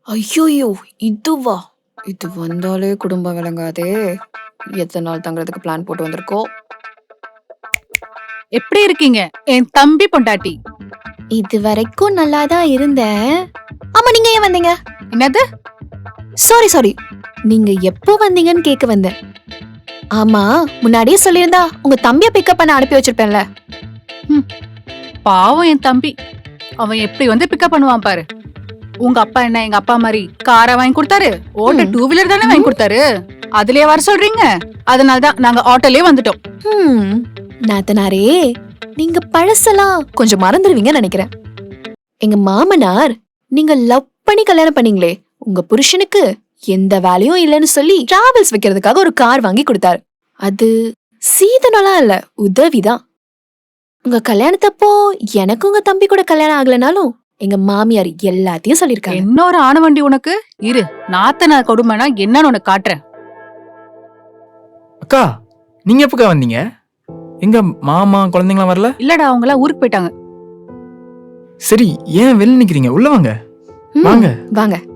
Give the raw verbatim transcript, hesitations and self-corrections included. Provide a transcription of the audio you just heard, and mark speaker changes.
Speaker 1: ஐயோயோ! இதுவா? இது வந்தாலே குடும்பம் விளங்காதே! எத்தன நாள் தங்குறதுக்கு பிளான் போட்டு வந்திருக்கோம்.
Speaker 2: எப்படி இருக்கீங்க என் தம்பி பொண்டாட்டி?
Speaker 1: இது வரைக்கும் நல்லா தான் இருந்தேன். ஆமா, நீங்க ஏன் வந்தீங்க?
Speaker 2: என்னது?
Speaker 1: Sorry sorry. நீங்க எப்போ வந்தீங்கன்னு கேட்க வந்தேன். ஆமா, முன்னாடியே சொல்லியிருந்தா உங்க தம்பிய பிக்கப் பண்ண அனுப்பி வச்சிருப்பேன்ல.
Speaker 2: ம், பாவம் என் தம்பி. அவன் எப்படி வந்து பிக்கப் பண்ணுவான் பாரு. உங்க அப்பா என்ன எங்க அப்பா மாதிரி காரை வாங்கி கொடுத்தாரு? ஓட்ட
Speaker 1: ம்.
Speaker 2: டூ வீலர் தானே வாங்கி கொடுத்தாரு. அதுலயே வர சொல்றீங்க? அதனாலதான் நாங்க ஆட்டோலயே வந்துட்டோம்.
Speaker 1: ஹம், நாத்தனாரே, நீங்க பழசெல்லாம் கொஞ்சம் மறந்துடுவீங்கன்னு நினைக்கிறேன். எங்க மாமனார் நீங்க லவ் பண்ணி கல்யாணம் பண்ணீங்களே, உங்க புருஷனுக்கு எந்த வேலையும் இல்லைன்னு சொல்லி டிராவல்ஸ் வைக்கிறதுக்காக ஒரு கார் வாங்கி கொடுத்தாரு. அது சீதனலாம் இல்ல, உதவிதான். உங்க கல்யாணத்தப்போ எனக்கு உங்க தம்பி கூட கல்யாணம் ஆகலனாலும் எங்க மாமியார் எல்லாத்தையும் சொல்லிருக்காங்க.
Speaker 2: இன்னொரு ஆணவண்டி உனக்கு இரு. நாத்தனார் கொடுமைனா என்னன்னு உனக்கு காட்டுறேன்.
Speaker 3: அக்கா, நீங்க எப்பக்கா வந்தீங்க? எங்க மாமா குழந்தைங்களாம் வரல?
Speaker 2: இல்லடா, அவங்க எல்லாம் ஊருக்கு போயிட்டாங்க.
Speaker 3: சரி, ஏன் வெளில நிக்கிறீங்க? உள்ள வாங்க.
Speaker 1: ம்,
Speaker 3: வாங்க.
Speaker 1: வாங்க.